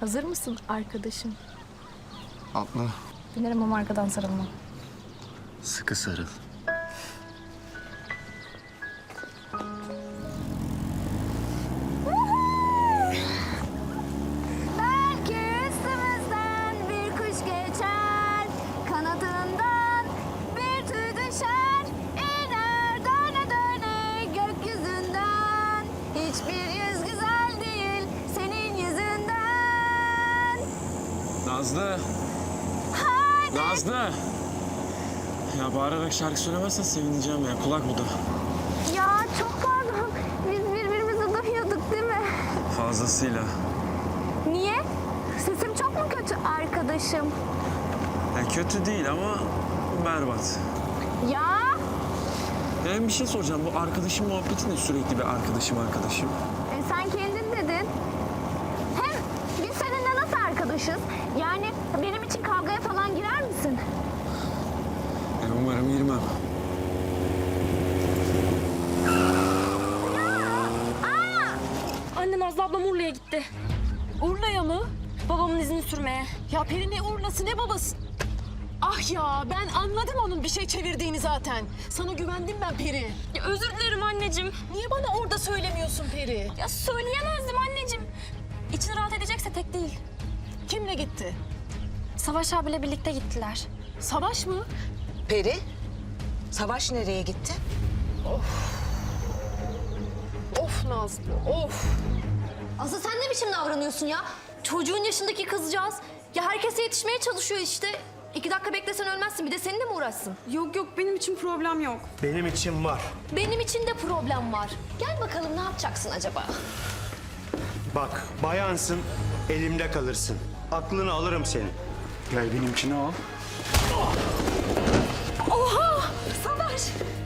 Hazır mısın arkadaşım? Atla. Binerim ama arkadan sarılma. Sıkı sarıl. Belki üstümüzden bir kuş geçer, kanadından bir tüy düşer, iner döne döne gökyüzünden. Hiçbir yüz güzel değil senin yüzünden. Nazlı. Haydi. Nazlı. Ya bağırarak şarkı söylemezsen sevineceğim ya. Kulak bu da. Ya çok pardon. Biz birbirimizi duyuyorduk değil mi? Fazlasıyla. Niye? Sesim çok mu kötü arkadaşım? Ya kötü değil ama berbat. Ya Yani bir şey soracağım. Bu arkadaşım muhabbeti ne, sürekli bir arkadaşım? sen kendin dedin. Hem biz seninle nasıl arkadaşız? Yani benim için kavgaya falan girer misin? Yani umarım girmem. Anne Nazlı ablam Urla'ya gitti. Urla'ya mı? Babamın izini sürmeye. Ya Peri ne Urla'sı ne babası? Ah ya ben anladım onun bir şey çevirdiğini zaten. Sana güvendim ben Peri. Ya özür dilerim anneciğim. Niye bana orada söylemiyorsun Peri? Ya söyleyemezdim anneciğim. İçin rahat edecekse tek değil. Kimle gitti? Savaş abiyle birlikte gittiler. Savaş mı? Peri, Savaş nereye gitti? Of Nazlı of. Aslı sen ne biçim davranıyorsun ya? Çocuğun yaşındaki kızcağız. Ya herkese yetişmeye çalışıyor işte. 2 dakika beklesen ölmezsin. Bir de seninle mi uğraşsın? Yok yok benim için problem yok. Benim için var. Benim için de problem var. Gel bakalım ne yapacaksın acaba? Bak, bayansın, elimde kalırsın. Aklını alırım senin. Gel benimkini al. Savaş!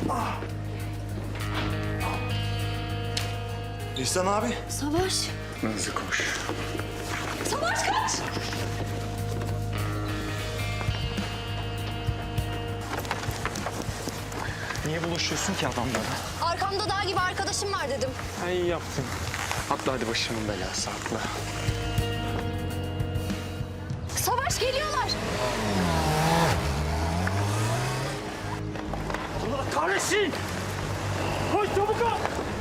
İhsan abi. Savaş! Nazlı koş. Savaş kaç! Niye bulaşıyorsun ki adamlara? Arkamda dağ gibi arkadaşım var dedim. Ha, iyi yaptın. Atla hadi, başımın belası, atla. Savaş geliyorlar! Allah kahretsin! Koş çabuk ol!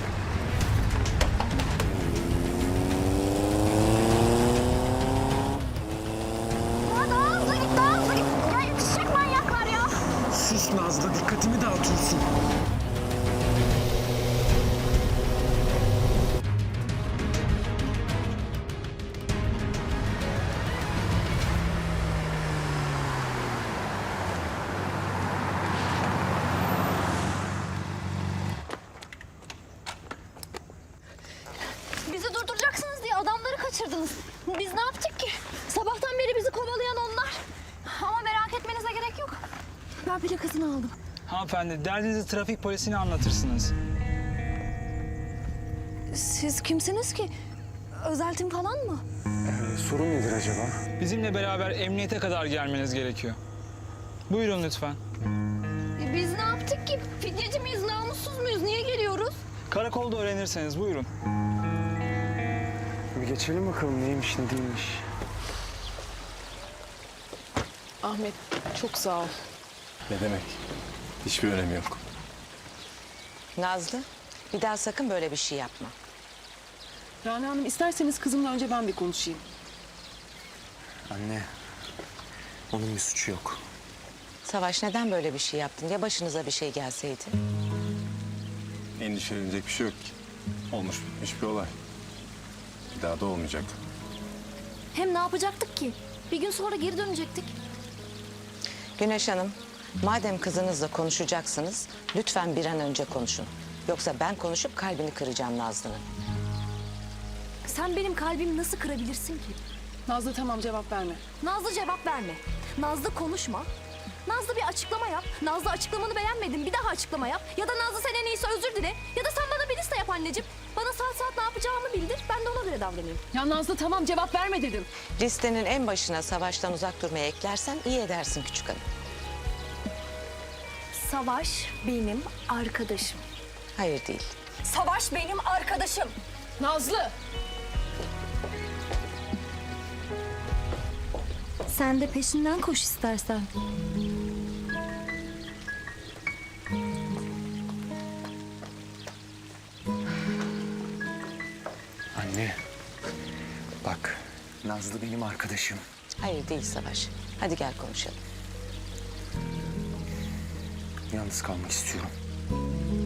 Ya daha hızlı git, daha hızlı git. Ya yetişecek manyaklar ya. Sus Nazlı, dikkatimi dağıtıyorsun. Bizi durduracaksınız diye adamları kaçırdınız. Biz ne yaptık ki? Sabahtan beri bizi kovalayan onlar. Ama merak etmenize gerek yok. Ben plakasını aldım. Hanımefendi, derdinizi trafik polisine anlatırsınız. Siz kimsiniz ki? Özel tim falan mı? Sorun nedir acaba? Bizimle beraber emniyete kadar gelmeniz gerekiyor. Buyurun lütfen. Biz ne yaptık ki? Fidyeci miyiz, namussuz muyuz? Niye geliyoruz? Karakolda öğrenirseniz buyurun. Bir geçelim bakalım neymiş ne değilmiş. Ahmet çok sağ ol. Ne demek? Hiçbir önemi yok. Nazlı, bir daha sakın böyle bir şey yapma. Rana Hanım isterseniz kızımla önce ben bir konuşayım. Anne, onun bir suçu yok. Savaş neden böyle bir şey yaptın? Ya başınıza bir şey gelseydi? Endişelenecek bir şey yok ki. Olmuş bitmiş bir olay. Bir daha da olmayacak. Hem ne yapacaktık ki? Bir gün sonra geri dönecektik. Güneş Hanım, madem kızınızla konuşacaksınız, lütfen bir an önce konuşun. Yoksa ben konuşup kalbini kıracağım Nazlı'nın. Sen benim kalbimi nasıl kırabilirsin ki? Nazlı tamam cevap verme. Nazlı cevap verme. Nazlı konuşma. Nazlı bir açıklama yap. Nazlı açıklamanı beğenmedim. Bir daha açıklama yap. Ya da Nazlı sen en iyisi özür dile. Ya da sen bana bir liste yap anneciğim. Bana saat saat ne yapacağımı bildir. Ben de ona göre davranayım. Ya Nazlı tamam cevap verme dedim. Listenin en başına Savaş'tan uzak durmaya eklersen iyi edersin küçük hanım. Savaş benim arkadaşım. Hayır değil. Savaş benim arkadaşım. Nazlı. Sen de peşinden koş istersen. Anne, bak Nazlı benim arkadaşım. Hayır değil Savaş. Hadi gel konuşalım. Yalnız kalmak istiyorum.